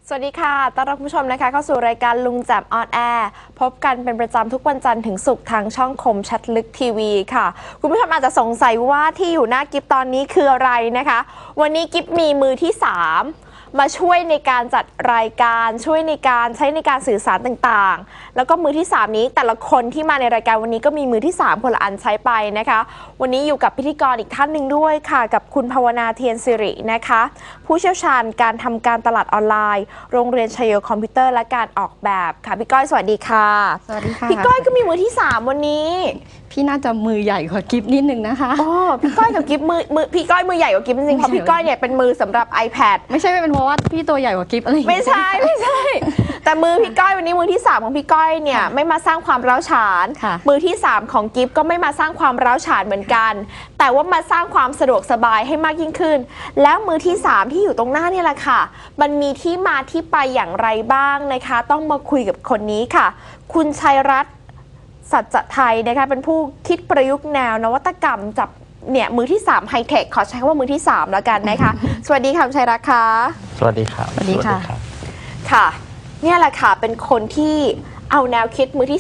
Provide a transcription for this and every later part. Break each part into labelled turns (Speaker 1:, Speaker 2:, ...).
Speaker 1: สวัสดีค่ะต้อนรับคุณผู้ชมนะคะเข้าสู่รายการลุงแจ่มออนแอร์พบกันเป็นประจำทุกวันจันทร์ถึงศุกร์ทางช่องคมชัดลึกทีวีค่ะคุณผู้ชมอาจจะสงสัยว่าที่อยู่หน้ากิฟตอนนี้คืออะไรนะคะวันนี้กิฟมีมือที่3มาช่วยในการจัดรายการช่วยในการใช้ในการสื่อสารต่างๆแล้วก็มือที่3นี้แต่ละคนที่มาในรายการวันนี้ก็มีมือที่3คนละอันใช้ไปนะคะวันนี้อยู่กับพิธีกรอีกท่านหนึ่งด้วยค่ะกับคุณภาวนาเทียนสิรินะคะผู้เชี่ยวชาญการทำการตลาดออนไลน์โรงเรียนชัยโยคอมพิวเตอร์และการออกแบบค่ะพี่ก้อยสวัสดีค่ะ
Speaker 2: สวัสดีค่ะ
Speaker 1: พี่ก้อยก็มีมือที่3วันนี้
Speaker 2: พี่น่าจะมือใหญ่กว่ากิฟนิดนึงนะคะ
Speaker 1: อ๋อพี่ก้อยกับกิฟมือพี่ก้อยมือใหญ่กว่ากิฟจริงๆเพราะพี่ก้อยเนี่ยเป็นมือสำหรับ iPad
Speaker 2: ไม่ใช่เป็นเพราะว่าพี่ตัวใหญ่กว่ากิฟอะไร
Speaker 1: ไม่ใช่แต่มือพี่ก้อยวันนี้มือที่3ของพี่ก้อยเนี่ยไม่มาสร้างความร้าวฉานมือที่3ของกิฟก็ไม่มาสร้างความร้าวฉานเหมือนกันแต่ว่ามาสร้างความสะดวกสบายให้มากยิ่งขึ้นแล้วมือที่3ที่อยู่ตรงหน้านี่แหละค่ะมันมีที่มาที่ไปอย่างไรบ้างนะคะต้องมาคุยกับคนนี้ค่ะคุณชัยรัตน์สัจไทยนะคะเป็นผู้คิดประยุกต์แนวนวัตกรรมจับเนี่ยมือที่3ไฮเทคขอใช้คำว่ามือที่3แล้วกันนะคะสวัสดีค่ะชัยรัตน์ค่ะ
Speaker 3: สวัสดีครับ
Speaker 2: สวัสดีค่ะ
Speaker 1: ค่ะเนี่ยแหละค่ะเป็นคนที่เอาแนวคิดมือที่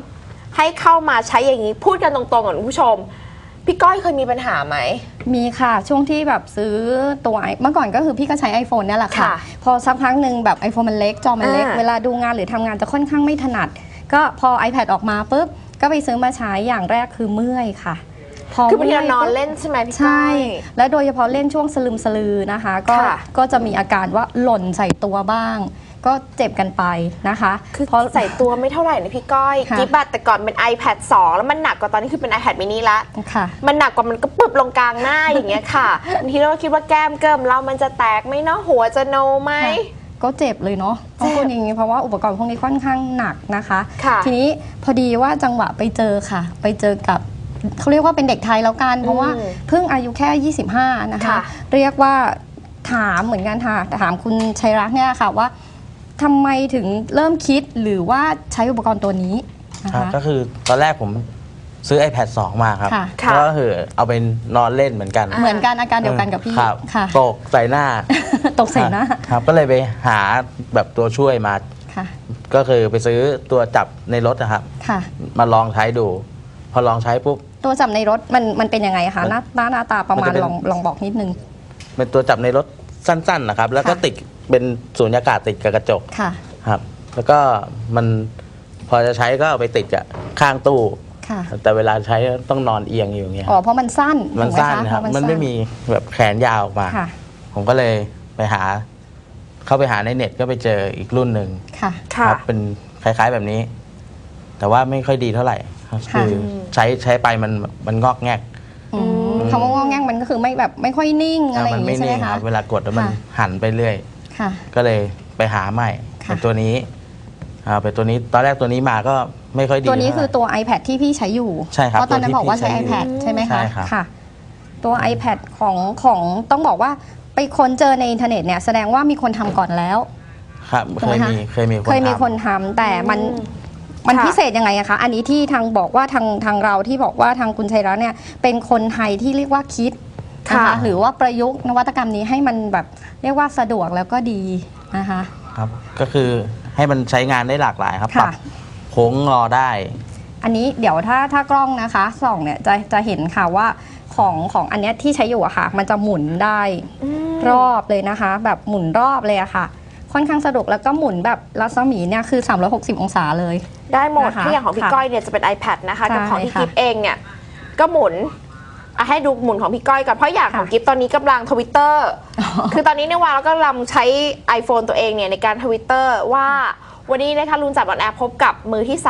Speaker 1: 3ให้เข้ามาใช้อย่างนี้พูดกันตรงๆกับคุณผู้ชมพี่ก้อยเคยมีปัญหาไหม
Speaker 2: มีค่ะช่วงที่แบบซื้อตัวเมื่อก่อนก็คือพี่ก็ใช้ iPhone เนี่ยแหละค่ะพอสักพักหนึ่งแบบ iPhone มันเล็กจอมันเล็กเวลาดูงานหรือทำงานจะค่อนข้างไม่ถนัดก็พอ iPad ออกมาปุ๊บก็ไปซื้อมาใช้อย่างแรกคือเมื่อยค่ะ
Speaker 1: คือบางทีเรานอนเล่นใช่ไหมพี่ก้อย
Speaker 2: ใช่และโดยเฉพาะเล่นช่วงสลึมสลือนะคะก็จะมีอาการว่าหล่นใส่ตัวบ้างก็เจ็บกันไปนะคะ
Speaker 1: คือพอใส่ตัวไม่เท่าไหร่นะพี่ก้อยกิ๊บแต่ก่อนเป็น iPad 2แล้วมันหนักกว่าตอนนี้คือเป็น iPad mini ละมันหนักกว่ามันก็ปึ๊บลงกลางหน้าอย่างเงี้ยค่ะบางทีเราคิดว่าแก้มเกิมเรามันจะแตกไหมเนาะหัวจะโนไหม
Speaker 2: ก็เจ็บเลยเนาะต้องพูดอย่างนี้เพราะว่าอุปกรณ์พวกนี้ค่อนข้างหนักนะคะทีนี้พอดีว่าจังหวะไปเจอค่ะไปเจอกับเขาเรียกว่าเป็นเด็กไทยแล้วกันเพราะว่าเพิ่งอายุแค่25นะคะเรียกว่าถามเหมือนกันค่ะถามคุณชัยรัตน์เนี่ยค่ะว่าทำไมถึงเริ่มคิดหรือว่าใช้อุปกรณ์ตัวนี้นะคะ
Speaker 3: ก็คือตอนแรกผมซื้อ iPad 2 มาครับก็คือเอาไปนอนเล่นเหมือนกัน
Speaker 2: อาการเดียวกันกับพี่
Speaker 3: ค่ะตกใส่หน้า
Speaker 2: ตกใส่หน้า
Speaker 3: ครับก็เลยไปหาแบบตัวช่วยมาก็คือไปซื้อตัวจับในรถนะครับมาลองใช้ดูพอลองใช้ปุ๊บ
Speaker 2: ตัวจับในรถมันเป็นยังไงคะหน้าตาประมาณลองบอกนิดนึง
Speaker 3: เป็นตัวจับในรถสั้นๆนะครับแล้วก็ติดเป็นสูญญากาศติดกับกระจกครับแล้วก็มันพอจะใช้ก็เอาไปติดกับข้างตู้แต่เวลาใช้ต้องนอนเอียงอยู่อย่างเงี้ย
Speaker 2: อ๋อเพราะมันสั้น
Speaker 3: ครับมันไม่มีแบบแขนยาวออกมาผมก็เลยไปเข้าไปหาในเน็ตก็ไปเจออีกรุ่นหนึ่งครับเป็นคล้ายๆแบบนี้แต่ว่าไม่ค่อยดีเท่าไหร่คือใช้ไปมันงอกแงก
Speaker 2: คำว่างอกแงกมันก็คือไม่ค่อยนิ่งอะไรอย่างนี้ใช่ไหมคะ
Speaker 3: เวลากดแล้วมันหันไปเรื่อยก็เลยไปหาใหม่เป็นตัวนี้เป็นตัวนี้ตอนแรกตัวนี้มาก็ไม่ค่อยดี
Speaker 2: ตัวนี้คือตัว iPad ที่พี่ใช้อยู่
Speaker 3: ใช่ครับ
Speaker 2: เพราะตอนนั้นบอกว่าใช้ iPad ใช่ไหมคะค่ะตัว iPad ของต้องบอกว่าไปค้นเจอในอินเทอร์เน็ตเนี่ยแสดงว่ามีคนทำก่อนแล้ว
Speaker 3: ครับเคย
Speaker 2: มีคนทำแต่มันพิเศษยังไงอะคะอันนี้ที่ทางบอกว่าทางเราที่บอกว่าทางคุณชัยรัตน์เนี่ยเป็นคนไทยที่เรียกว่าคิดนะคะหรือว่าประยุกต์นวัตกรรมนี้ให้มันแบบเรียกว่าสะดวกแล้วก็ดีนะคะ
Speaker 3: ครับก็คือให้มันใช้งานได้หลากหลายครับปรับโค้งงอได้
Speaker 2: อันนี้เดี๋ยวถ้ากล้องนะคะส่องเนี่ยจะเห็นค่ะว่าของอันนี้ที่ใช้อยู่อะค่ะมันจะหมุนได้รอบเลยนะคะแบบหมุนรอบเลยอะค่ะค่อนข้างสะดวกแล้วก็หมุนแบบรัศมีเนี่ยคือ360องศาเลย
Speaker 1: ได้หมดที่อย่างของพี่ก้อยเนี่ยจะเป็น iPad นะคะกับของที่กิฟเองเนี่ยก็หมุนให้ดูหมุนของพี่ก้อยก่อนเพราะอย่างของกิฟตอนนี้กำลัง Twitter คือตอนนี้ในวันเราก็กำลังใช้ iPhone ตัวเองเนี่ยในการ Twitter ว่าวันนี้นะคะลุงจัดออนแอร์พบกับมือที่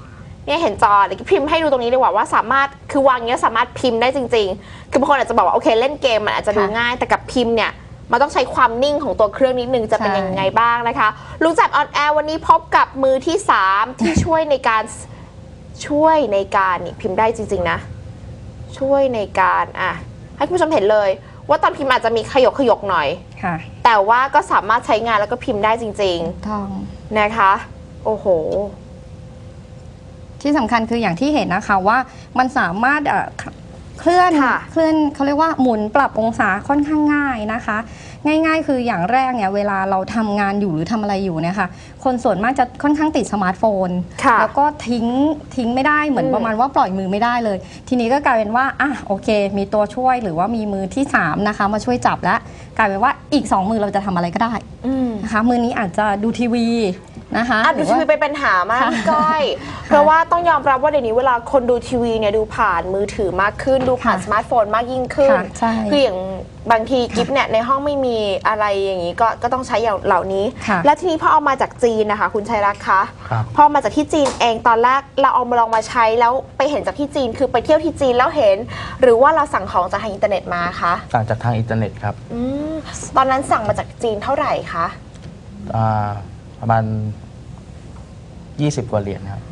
Speaker 1: 3เนี่ยเห็นจอเดี๋ยวพิมพ์ให้ดูตรงนี้ดีกว่าสามารถคือวางเนี้ยสามารถพิมพ์ได้จริงๆคือบางคนอาจจะบอกว่าโอเคเล่นเกมมันอาจจะดูง่ายแต่กับพิมพ์เนี่ยมันต้องใช้ความนิ่งของตัวเครื่องนิดนึงจะเป็นยังไงบ้างนะคะลุงจัดออนแอร์วันนี้พบกับมือที่3ที่ช่วยในการนี่พิมพ์ได้จริงๆนะช่วยในการให้คุณผู้ชมเห็นเลยว่าตอนพิมพ์อาจจะมีขยกหน่อยแต่ว่าก็สามารถใช้งานแล้วก็พิมพ์ได้จริงๆนะคะโอ้โห
Speaker 2: ที่สำคัญคืออย่างที่เห็นนะคะว่ามันสามารถเคลื่อนเขาเรียกว่าหมุนปรับองศาค่อนข้างง่ายนะคะง่ายๆ คืออย่างแรกเนี่ยเวลาเราทำงานอยู่หรือทำอะไรอยู่เนี่ยค่ะคนส่วนมากจะค่อนข้างติดสมาร์ทโฟนแล้วก็ทิ้งไม่ได้เหมือนประมาณว่าปล่อยมือไม่ได้เลย ทีนี้ก็กลายเป็นว่าโอเคมีตัวช่วยหรือว่ามีมือที่3นะคะมาช่วยจับแล้วกลายเป็นว่าอีก2มือเราจะทำอะไรก็ได้นะคะมือนี้อาจจะดูทีวีนะคะ
Speaker 1: ดูทีวีเป็นปัญหามากพี่ก้อยเพราะว่าต้องยอมรับว่าเดี๋ยวนี้เวลาคนดูทีวีเนี่ยดูผ่านมือถือมากขึ้นดูผ่านสมาร์ทโฟนมากยิ่งขึ้นคืออย่างบางทีกิฟเนี่ยในห้องไม่มีอะไรอย่างนี้ก็ต้องใช้อย่างเหล่านี้และทีนี้พอเอามาจากจีนนะคะคุณชัยรักษ์คะพอมาจากที่จีนเองตอนแรกเราเอามาลองมาใช้แล้วไปเห็นจากที่จีนคือไปเที่ยวที่จีนแล้วเห็นหรือว่าเราสั่งของจากทางอินเทอร์เน็ตมาคะ
Speaker 3: สั่งจากทางอินเทอร์เน็ตครับ
Speaker 1: ตอนนั้นสั่งมาจากจีนเท่าไหร่คะ
Speaker 3: ประมาณ20 กว่าเหรียญครับ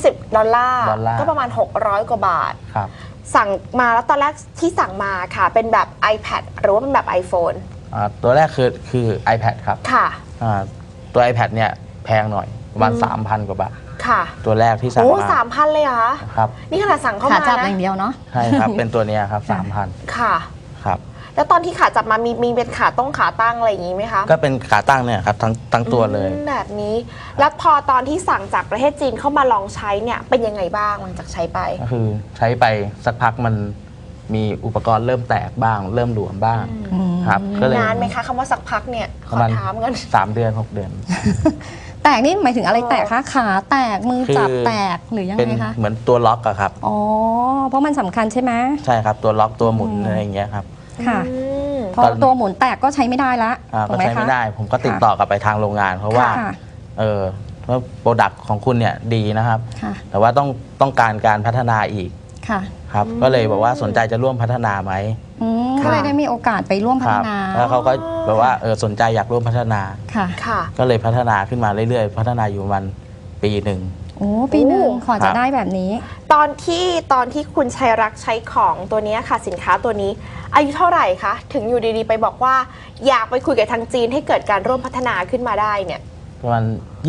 Speaker 1: $20ก็ประมาณ600 กว่าบาท
Speaker 3: ครับ
Speaker 1: สั่งมาแล้วตอนแรกที่สั่งมาค่ะเป็นแบบ iPad หรือว่าเป็นแบบ iPhone
Speaker 3: ตัวแรกคือ iPad ครับ
Speaker 1: ค่ะ
Speaker 3: ตัว iPad เนี่ยแพงหน่อยประมาณ 3,000 กว่าบาทค่ะตัวแรกที่สั่งมา
Speaker 1: 3,000 เลยเหรอ
Speaker 3: ครับ
Speaker 1: นี่ขนาดสั่งเข้ามา
Speaker 2: ขาจับอย่างเดียวเนาะ
Speaker 3: ใช่ครับเป็นตัวนี้ครับ 3,000
Speaker 1: ค่ะ
Speaker 3: ครับ
Speaker 1: แล้วตอนที่ขาจับมามีเป็นขาตั้งอะไรอย่างนี้ไหมคะ
Speaker 3: ก็เป็นขาตั้งเนี่ยครับทั้งตัวเลย
Speaker 1: แบบนี้แล้วพอตอนที่สั่งจากประเทศจีนเข้ามาลองใช้เนี่ยเป็นยังไงบ้างหลังจากใช้ไป
Speaker 3: ก็คือใช้ไปสักพักมันมีอุปกรณ์เริ่มแตกบ้างเริ่มหลวมบ้างครับ
Speaker 1: ก็เลยนานไหมคะคำว่าสักพักเนี่ยขอถามกัน
Speaker 3: 3 เดือน 6 เดือน
Speaker 2: แตกนี่หมายถึงอะไรแตกคะขาแตกมือจับแตกหรือยังไงคะ
Speaker 3: เหมือนตัวล็อกอะครับ
Speaker 2: อ๋อเพราะมันสำคัญใช่ไหม
Speaker 3: ใช่ครับตัวล็อกตัวหมุนอะไรอย่างเงี้ยครับ
Speaker 2: ค่ะพอตัวหมุนแตกก็ใช้ไม่ได้ละ
Speaker 3: ก็ใช้ไม่ได้ผมก็ติดต่อกลับไปทางโรงงานเพราะว่าว่าโปรดักต์ของคุณเนี่ยดีนะครับแต่ว่าต้องการพัฒนาอีกครับก็เลยบอกว่าสนใจจะร่วมพัฒนาไหม
Speaker 2: ก็เลยได้มีโอกาสไปร่วมพัฒนา
Speaker 3: แล้วเขาก็แบบว่าสนใจอยากร่วมพัฒนาก็เลยพัฒนาขึ้นมาเรื่อยๆพัฒนาอยู่ประมาณปีหนึ่ง
Speaker 2: ปีหนึ่งขอจะได้แบบนี้
Speaker 1: ตอนที่คุณชัยรักษ์ใช้ของตัวนี้ค่ะสินค้าตัวนี้อายุเท่าไหร่คะถึงอยู่ดีๆไปบอกว่าอยากไปคุยกับทางจีนให้เกิดการร่วมพัฒนาขึ้นมาได้เนี่ย
Speaker 3: ประมาณ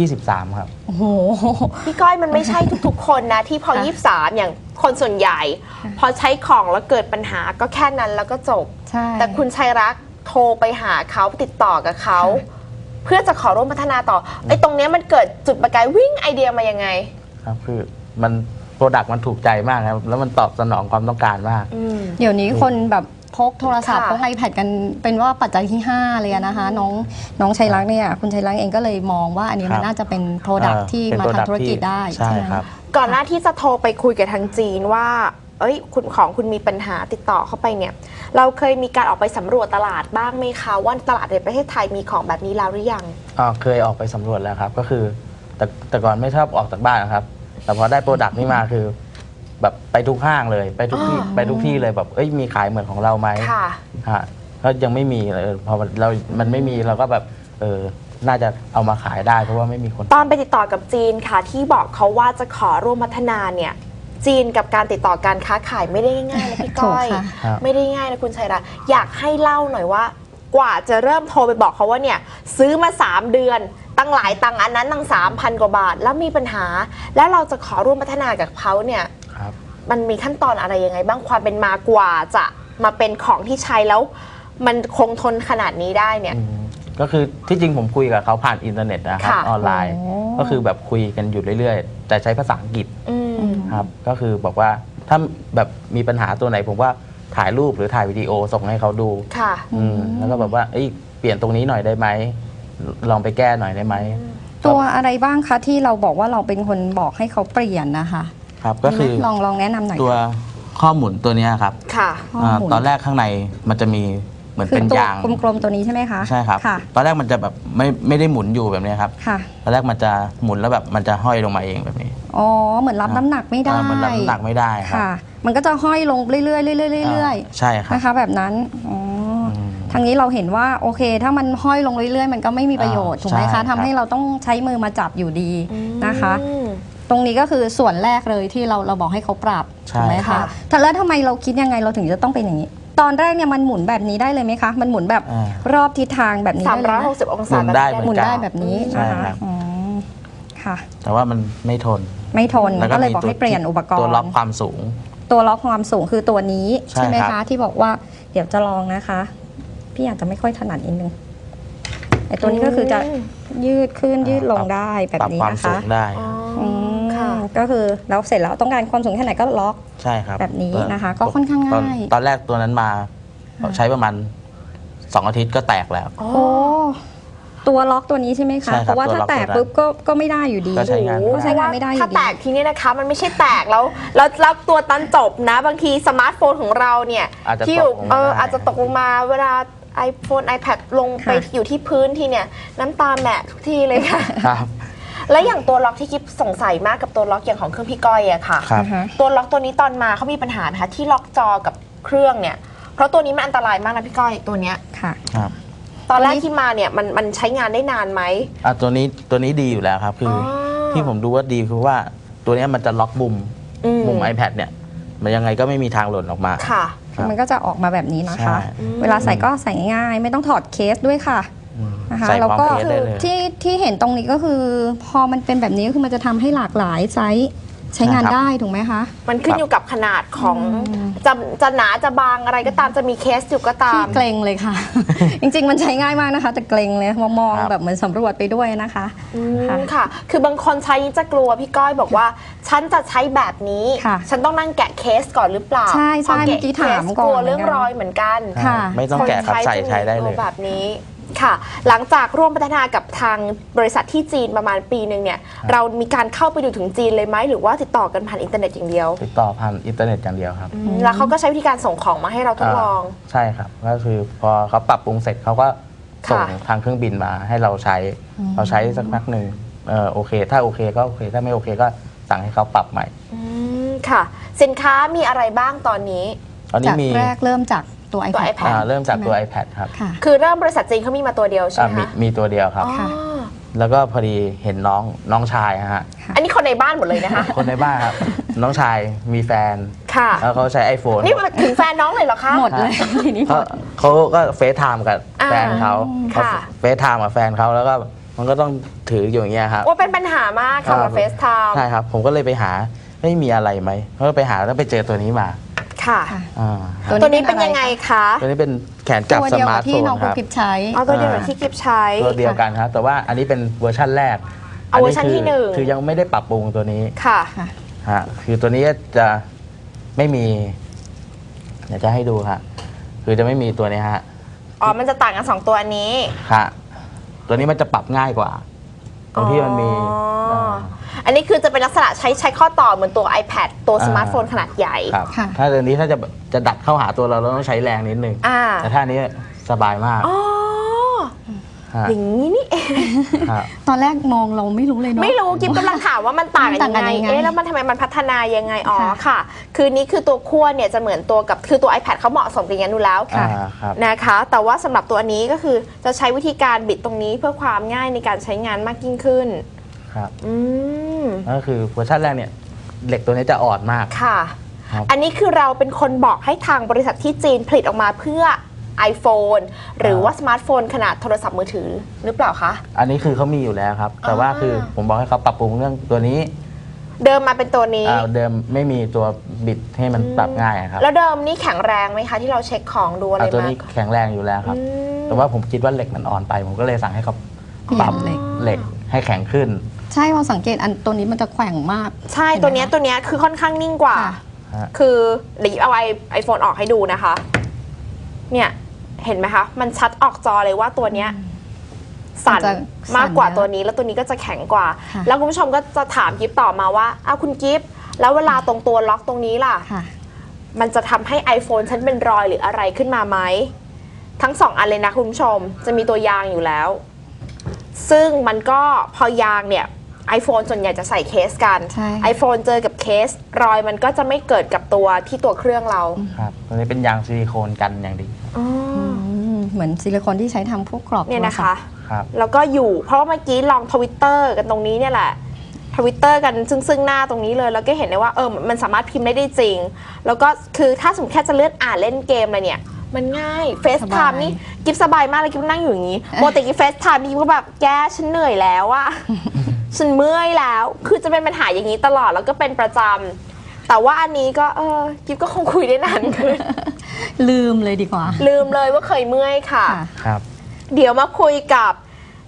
Speaker 3: 23ครับ
Speaker 2: โอ้โห
Speaker 1: พี่ก้อยมันไม่ใช่ทุกๆคนนะที่พอ23อย่างคนส่วนใหญ่พอใช้ของแล้วเกิดปัญหาก็แค่นั้นแล้วก็จบแต่คุณชัยรักษ์โทรไปหาเขาติดต่อกับเขาเพื่อจะขอร่วมพัฒนาต่อไอ้ตรงนี้มันเกิดจุดประกายวิ่งไอเดียมายังไง
Speaker 3: ครับคือมันโปรดักต์มันถูกใจมากครับแล้วมันตอบสนองความต้องการมาก
Speaker 2: เดี๋ยวนี้คนแบบพกโทรศัพท์พก iPad กันเป็นว่าปัจจัยที่5เลยนะคะน้องชัยรักษ์เนี่ยคุณชัยรักษ์เองก็เลยมองว่าอันนี้มันน่าจะเป็นโปรดักต์ที่มาทำธุรกิจได้
Speaker 3: ใช่ครับ
Speaker 1: ก่อนหน้าที่จะโทรไปคุยกับทางจีนว่าคุณมีปัญหาติดต่อเข้าไปเนี่ยเราเคยมีการออกไปสำรวจตลาดบ้างไหมคะว่าตลาดในประเทศไทยมีของแบบนี้แล้วหรือยัง
Speaker 3: เคยออกไปสำรวจแล้วครับก็คือแต่ก่อนไม่ชอบออกจากบ้านนะครับแต่พอได้โปรดักต์นี้มาคือแบบไปทุกห้างเลยไปทุกที่เลยแบบมีขายเหมือนของเราไหมค่ะก็ยังไม่มีเลยพอมันไม่มีเราก็แบบน่าจะเอามาขายได้เพราะว่าไม่มีคน
Speaker 1: ตอนไปติดต่อกับจีนค่ะที่บอกเขาว่าจะขอร่วมพัฒนาเนี่ยจีนกับการติดต่อการค้าขายไม่ได้ง่ายนะพี่ก้อยไม่ได้ง่ายนะคุณชัยรักษ์อยากให้เล่าหน่อยว่ากว่าจะเริ่มโทรไปบอกเขาว่าเนี่ยซื้อมา3 เดือนตั้งหลายตังอันนั้นตั้ง 3,000 กว่าบาทแล้วมีปัญหาแล้วเราจะขอร่วมพัฒนากับเขาเนี่ยมันมีขั้นตอนอะไรยังไงบ้างความเป็นมากว่าจะมาเป็นของที่ใช้แล้วมันคงทนขนาดนี้ได้เนี่ย
Speaker 3: ก็คือที่จริงผมคุยกับเขาผ่านอินเทอร์เน็ตนะครับออนไลน์ก็คือแบบคุยกันอยู่เรื่อยๆแต่ใช้ภาษาอังกฤษครับก็คือบอกว่าถ้าแบบมีปัญหาตัวไหนผมว่าถ่ายรูปหรือถ่ายวิดีโอส่งให้เขาดูแล้วก็แบบว่าเปลี่ยนตรงนี้หน่อยได้ไหมลองไปแก้หน่อยได้ไหม
Speaker 2: ตัวอะไรบ้างคะที่เราบอกว่าเราเป็นคนบอกให้เขาเปลี่ยนนะคะ
Speaker 3: ครับก็คือ
Speaker 2: ลองแนะนำหน่อย
Speaker 3: ตัวข้อหมุนตัวนี้ครับตอนแรกข้างในมันจะมีเหมือนเป็นยาง
Speaker 2: กลมๆตัวนี้ใช่ไหมคะ
Speaker 3: ใช่ครับตอนแรกมันจะแบบไม่ได้หมุนอยู่แบบนี้ครับตอนแรกมันจะหมุนแล้วแบบมันจะห้อยลงมาเองแบบนี้
Speaker 2: อ๋อเหมือนรับน้ำหนักไม่ได้
Speaker 3: เหมือนรับน้ำหนักไม่ได้ครับ
Speaker 2: มันก็จะห้อยลงเรื่อยๆเรื่อย
Speaker 3: ๆใช่ครับ
Speaker 2: นะคะแบบนั้นทางนี้เราเห็นว่าโอเคถ้ามันห้อยลงเรื่อยๆมันก็ไม่มีประโยชน์ถูกไหมคะทำให้เราต้องใช้มือมาจับอยู่ดีนะคะตรงนี้ก็คือส่วนแรกเลยที่เราบอกให้เขาปรับถูกไหมคะแต่แล้วทำไมเราคิดยังไงเราถึงจะต้องเป็นอย่างนี้ตอนแรกเนี่ยมันหมุนแบบนี้ได้เลยไหมคะมันหมุนแบบรอบทิศทางแบบนี้
Speaker 1: 360 องศา
Speaker 2: หมุนได้แบบนี้นะคะค่ะ
Speaker 3: แต่ว่ามันไม่ทน
Speaker 2: ก็เลยบอกให้เปลี่ยนอุปกรณ์
Speaker 3: ตัวล็อกความสูง
Speaker 2: คือตัวนี้ใช่ไหมคะที่บอกว่าเดี๋ยวจะลองนะคะพี่อาจจะไม่ค่อยถนัดนิดนึงไอ้ตัวนี้ก็คือจะยืดขึ้นยืดลงได้แบบนี้
Speaker 3: ปรับความ
Speaker 2: นะ
Speaker 3: สู
Speaker 2: คะ
Speaker 3: งได้
Speaker 1: ค่ะ
Speaker 2: ก็คือเราเสร็จแล้วต้องการความสูงแค่ไหนก็ล็อก
Speaker 3: ใช่ครับ
Speaker 2: แบบนี้นะคะก็ค่อนข้างง่าย
Speaker 3: ตอนแรกตัวนั้นมาใช้ประมาณ2 อาทิตย์ก็แตกแล้ว
Speaker 2: โอ้ตัวล็อกตัวนี้ใช่ไหมคะ
Speaker 3: ใช่ครับ
Speaker 2: เพราะว่าถ้าแตก
Speaker 3: ตัวล็อก
Speaker 2: ปุ๊บก็ไม่ได้อยู่ดี
Speaker 3: ก็ใช้งาน
Speaker 2: ก็ใช้งานไม่ได้อยู่ดี
Speaker 1: ถ้าแตกทีนี้นะคะมันไม่ใช่แตกแล้วตัวตันจบนะ บางทีสมาร์ทโฟนของเราเนี่ย
Speaker 3: อาจจะ
Speaker 1: ที่อยู่
Speaker 3: ตกลงมาได้
Speaker 1: อาจจะตกลงมาเวลา iPhone iPad ลงไป
Speaker 2: ค่ะ
Speaker 1: อยู่ที่พื้นทีเนี่ยน้ำตาแหมะทุกทีเลยค่ะ
Speaker 3: ครับ
Speaker 1: และอย่างตัวล็อกที่กิ๊บสงสัยมากกับตัวล็อกอย่างของเครื่องพี่ก้อยอะค่ะ
Speaker 3: ครับ
Speaker 2: นะคะ
Speaker 1: ตัวล็อกตัวนี้ตอนมาเขามีปัญหาไหมคะที่ล็อกจอกับเครื่องเนี่ยเพราะตัวนี้มันอันตรายมากนะพี่ก้อยตัวเนี้ย
Speaker 2: ค่ะ
Speaker 3: ครับ
Speaker 1: ตอนแรกที่มาเนี่ยมันใช้งานได้นานไหม
Speaker 3: ตัวนี้ดีอยู่แล้วครับ คืออ
Speaker 1: อ
Speaker 3: ที่ผมดูว่าดีคือว่าตัวเนี้ยมันจะล็อกมุม
Speaker 1: อื
Speaker 3: iPad เนี่ย มันยังไงก็ไม่มีทางหล่นออกมา
Speaker 1: ค่ะ
Speaker 3: ครับ
Speaker 2: มันก็จะออกมาแบบนี้นะ
Speaker 3: ใช่
Speaker 2: คะ เวลาใส่ก็ใส่ง่ายไม่ต้องถอดเคสด้วยค่ะ
Speaker 3: อืม
Speaker 2: นะคะ
Speaker 3: ใส่
Speaker 2: แล้ว
Speaker 3: ความ
Speaker 2: ก็
Speaker 3: เคสได้เลย
Speaker 2: ที่เห็นตรงนี้ก็คือ พอมันเป็นแบบนี้ก็คือมันจะทำให้หลากหลายไซส์ใช้งาน
Speaker 3: ใช่ครับ
Speaker 2: ได้ถูกไหมคะ
Speaker 1: มันขึ้นอยู่กับขนาดของจะหนาจะบางอะไรก็ตามจะมีเคสอยู่ก็ตา
Speaker 2: ที่
Speaker 1: ม
Speaker 2: เกรงเลยค่ะ จริงๆมันใช้ง่ายมากนะคะ แต่เกรงเลยมอง
Speaker 3: ครับ
Speaker 2: แบบเหมือนสำรวจไปด้วยนะคะ ค่ะ
Speaker 1: ค่ะ คือบางคนใช้จะกลัวพี่ก้อยบอกว่า ฉันจะใช้แบบนี้
Speaker 2: ค่ะ
Speaker 1: ฉันต้องนั่งแกะเคสก่อนหรือเปล่า
Speaker 2: ใช่ใช่
Speaker 1: พะ
Speaker 2: เมื่อกี้ถาม
Speaker 1: เคส
Speaker 2: ก่อน
Speaker 1: กลัวเรื่อง
Speaker 2: เหมือนกัน
Speaker 1: รอยเหมือนกัน
Speaker 2: ค่ะ
Speaker 3: ไม่ต้องแกะครับ
Speaker 1: คน
Speaker 3: ใช้ได้เลย
Speaker 1: แบบนี้ค่ะ หลังจากร่วมพัฒนากับทางบริษัทที่จีนประมาณปีหนึ่งเนี่ย เรามีการเข้าไปดูถึงจีนเลยไหมหรือว่าติดต่อกันผ่านอินเทอร์เน็ตอย่างเดียว
Speaker 3: ติดต่อผ่านอินเทอร์เน็ตอย่างเดียวครับ
Speaker 1: แล้วเขาก็ใช้วิธีการส่งของมาให้เราทดลอง
Speaker 3: ใช่ครับ ก็คือพอเขาปรับปรุงเสร็จเขาก็ส่ง
Speaker 1: ค่ะ
Speaker 3: ทางเครื่องบินมาให้เราใช้ เราใช้สักพักหนึ่งโอเค ถ้าโอเคก็โอเค ถ้าไม่โอเคก็สั่งให้เขาปรับใหม่
Speaker 1: ค่ะ สินค้ามีอะไรบ้างตอนนี้
Speaker 3: ตอนนี้
Speaker 2: จาก
Speaker 3: มี
Speaker 2: แรกเริ่มจากตัว
Speaker 1: ตัว
Speaker 2: iPad
Speaker 1: iPad
Speaker 3: เริ่มจากตัว
Speaker 2: ใช่ไห
Speaker 3: iPad ครับ
Speaker 2: ค่ะ
Speaker 1: คือเริ่มบริษัทจีนเขามีมาตัวเดียวใช่ไหมคะ
Speaker 3: มีตัวเดียวครับ
Speaker 1: อ๋อ
Speaker 2: ค่ะ
Speaker 3: แล้วก็พอดีเห็นน้องชายฮะ
Speaker 1: อันนี้คนในบ้านหมดเลยนะคะ
Speaker 3: คนในบ้านครับ น้องชายมีแฟน
Speaker 1: ค่ะ
Speaker 3: แล้วเขาใช้ iPhone
Speaker 1: นี่มาถึงแฟนน้องเลยเหรอคะ
Speaker 2: หมดเลยทีนี้หมด
Speaker 3: เขาก็เฟซไทม์กับแฟนเขา
Speaker 1: ค่ะ
Speaker 3: เฟซไทม์กับแฟนเขาแล้วก็มันก็ต้องถืออยู่อย่างเงี้ยครับ
Speaker 1: ว่าเป็นปัญหามากค่ะกับเฟซไทม์
Speaker 3: ใช่ครับ ผมก็เลยไปหาไม่มีอะไรไหมก็ไปหาแล้วไปเจอตัวนี้มา
Speaker 1: ค่ะ
Speaker 2: ค่ะ
Speaker 3: อ่า
Speaker 1: ตัวนี้เป็นยังไงคะ
Speaker 3: ตัวนี้เป็นแขนจับ
Speaker 2: ตัว
Speaker 3: ส
Speaker 2: เดียว
Speaker 3: มา
Speaker 2: กั
Speaker 3: ร์
Speaker 2: บ
Speaker 3: ทโฟ
Speaker 2: ที่
Speaker 3: น
Speaker 2: น้อง
Speaker 3: ค
Speaker 2: คุณ
Speaker 3: รับ
Speaker 2: กิฟใช้
Speaker 1: เอาตัวเดียวกับที่กิฟใช้
Speaker 3: ตัวเดียวกันครับ แต่ว่าอันนี้เป็นเวอร์ชั่นแรก
Speaker 1: เอาเวอร์ชันที่
Speaker 3: คื
Speaker 1: หนึ่ง
Speaker 3: คือยังไม่ได้ปรับปรุงตัวนี้
Speaker 1: ค่ะ
Speaker 2: ค่ะ
Speaker 3: ฮะคือตัวนี้จะไม่มีเดี๋ยวจะให้ดูค่ะคือจะไม่มีตัวนี้ฮะ
Speaker 1: อ๋อ มันจะต่างกัน 2 ตัวอันนี้
Speaker 3: ฮะตัวนี้มันจะปรับง่ายกว่า ตรงที่มันมี
Speaker 1: อ๋ออันนี้คือจะเป็นลักษณะใช้ข้อต่อเหมือนตัว iPad ตัวสมาร์ทโฟนขนาดใหญ่
Speaker 3: ครับ
Speaker 2: ค่ะ
Speaker 3: ถ้าตัวนี้ถ้าจะดัดเข้าหาตัวเราเราต้องใช้แรงนิดนึง
Speaker 1: อ่า
Speaker 3: แต่ถ้าอันนี้สบายมาก
Speaker 1: อ๋อ
Speaker 3: ฮะ
Speaker 1: อย่างนี้นี่เอง
Speaker 3: ฮะ
Speaker 2: ตอนแรกมองเราไม่รู้เลยเนาะ
Speaker 1: ไม่รู้กิฟกำลังถามว่ามันต่างกัน
Speaker 2: มันต่าง
Speaker 1: ยังไง
Speaker 2: กันยังไง
Speaker 1: เอ๊ะแล้วมันทำไมมันพัฒนายังไง อ๋อ
Speaker 2: ค่ะ
Speaker 1: ค่ะ คือนี้คือตัวขั้วเนี่ยจะเหมือนตัวกับคือตัว iPad เขาเหมาะสมกันอย่างนั้นอยู่แล้ว
Speaker 2: ค่ะ
Speaker 3: ครับ
Speaker 1: นะคะ แต่ว่าสำหรับตัวนี้ก็คือจะใช้วิธีการบิดตรงนี้เพื่อความง่ายในการใช้งานมากยิ่งขึ้น
Speaker 3: ครับ
Speaker 1: อืม
Speaker 3: ก็คือเวอร์ชันแรกเนี่ยเหล็กตัวนี้จะอ่อนมาก
Speaker 1: ค่ะ
Speaker 3: ครับ
Speaker 1: อันนี้คือเราเป็นคนบอกให้ทางบริษัทที่จีนผลิตออกมาเพื่อ iPhone หรือว่าสมาร์ทโฟนขนาดโทรศัพท์มือถือหรือเปล่าคะ
Speaker 3: อันนี้คือเขามีอยู่แล้วครับ แต่ว่าคือผมบอกให้เขาปรับปรุงเรื่องตัวนี้
Speaker 1: เดิมมาเป็นตัวนี้
Speaker 3: เดิมไม่มีตัวบิดให้มันปรับง่ายครับ
Speaker 1: แล้วเดิมนี่แข็งแรงไหมคะที่เราเช็คของดูอะไร
Speaker 3: ตัว
Speaker 1: มา
Speaker 3: นี้แข็งแรงอยู่แล้วครับ
Speaker 1: อืม
Speaker 3: แต่ว่าผมคิดว่าเหล็กมันอ่อนไป ผมก็เลยสั่งให้เขาปรับ
Speaker 2: เหล็ก
Speaker 3: เหล็กให้แข็งขึ้น
Speaker 2: ใช่พอสังเกตอันตัวนี้มันจะแขว่งมาก
Speaker 1: ใช่ตัวเนี้ยคือค่อนข้างนิ่งกว่า
Speaker 2: ค่ะ
Speaker 3: ฮะ
Speaker 1: คือเดี๋ยวเอาไอโฟนออกให้ดูนะคะ เนี่ยเห็นไหมคะ มันชัดออกจอเลยว่าตัวเนี้ยสั่น
Speaker 2: มันจะ
Speaker 1: มากกว่า
Speaker 2: สั่นนะ
Speaker 1: ตัวนี้แล้วตัวนี้ก็จะแข็งกว่า
Speaker 2: ค่ะ
Speaker 1: แล้วคุณผู้ชมก็จะถามกิฟต่อมาว่าอ้าวคุณกิฟแล้วเวลาตรงตัวล็อกตรงนี้ล่ะ
Speaker 2: ค่ะ
Speaker 1: มันจะทำให้ iPhone ฉันเป็นรอยหรืออะไรขึ้นมาไหม ทั้งสองอันเลยนะคุณผู้ชมจะมีตัวยางอยู่แล้ว ซึ่งมันก็พอยางเนี่ย iPhone ส่วนใหญ่จะใส่เคสกัน
Speaker 2: ใช่
Speaker 1: iPhone เจอกับเคส รอยมันก็จะไม่เกิดกับตัวที่ตัวเครื่องเรา
Speaker 3: ครับ ตัวนี้เป็นยางซิลิโคนกันอย่างดี
Speaker 2: เหมือนซิลิโคนที่ใช้ทำพวกกรอบ
Speaker 1: เนี่ยนะ
Speaker 2: โทรศั
Speaker 1: คะ
Speaker 2: พท์
Speaker 3: ครับ
Speaker 1: แล้วก็อยู่ เพราะว่าเมื่อกี้ลองทวิตเตอร์กันตรงนี้เนี่ยแหละทวิตเตอร์กันซึ่งหน้าตรงนี้เลย แล้วก็เห็นได้ว่ามันสามารถพิมพ์ได้จริง แล้วก็คือถ้าสมมติแค่จะเลื่อนอ่านเล่นเกมอะไรเนี่ย มันง่ายเฟซไทม์นี่กิฟสบายมากเลยกิฟนั่งอยู่อย่างนี้โมติกิฟเฟซไทม์นี่กิฟก็แบบแกฉันเหนื่อยแล้วอะ ฉันเมื่อยแล้ว คือจะเป็นปัญหาอย่างนี้ตลอดแล้วก็เป็นประจำแต่ว่าอันนี้ก็กิฟก็คงคุยได้นานขึ้น
Speaker 2: ลืมเลยดีกว่า
Speaker 1: ลืมเลยว่าเคยเมื่อยค่ะ
Speaker 2: ค่ะ
Speaker 3: ครับ
Speaker 1: เดี๋ยวมาคุยกับ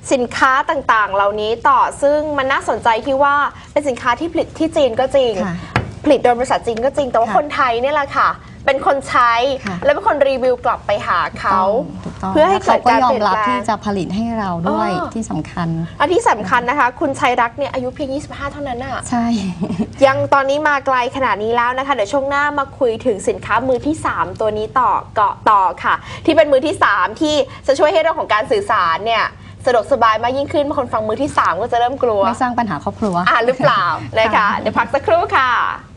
Speaker 1: สินค้าต่างๆ เหล่านี้ต่อซึ่งมันน่าสนใจที่ว่าเป็นสินค้าที่ผลิตที่จีนก็จริงผลิตโดยบริษัทจีนก็จริงแต่ว่าคนไทยเนี่ยแหละค่ะเป็นคนใช้และเป็นคนรีวิวกลับไปหาเขาเพื่อให้เกิดการเปลี่ยนแปลง
Speaker 2: เขาก็ยอมรับที่จะผลิตให้เราด้วยที่สำคัญ
Speaker 1: อันที่สำคัญนะคะ คุณชัยรักเนี่ยอายุเพียง 25 เท่านั้นน่ะ
Speaker 2: ใช่
Speaker 1: ยังตอนนี้มาไกลขนาดนี้แล้วนะคะเดี๋ยวช่วงหน้ามาคุยถึงสินค้ามือที่ 3 ตัวนี้ต่อค่ะที่เป็นมือที่ 3 ที่จะช่วยให้เรื่องของการสื่อสารเนี่ยสะดวกสบายมากยิ่งขึ้นบางคนฟังมือที่ 3 ก็จะเริ่มกลัว
Speaker 2: ไม่สร้างปัญหาครอบครัว
Speaker 1: หรือเปล่านะคะเดี๋ยวพักสักครู่ค่ะ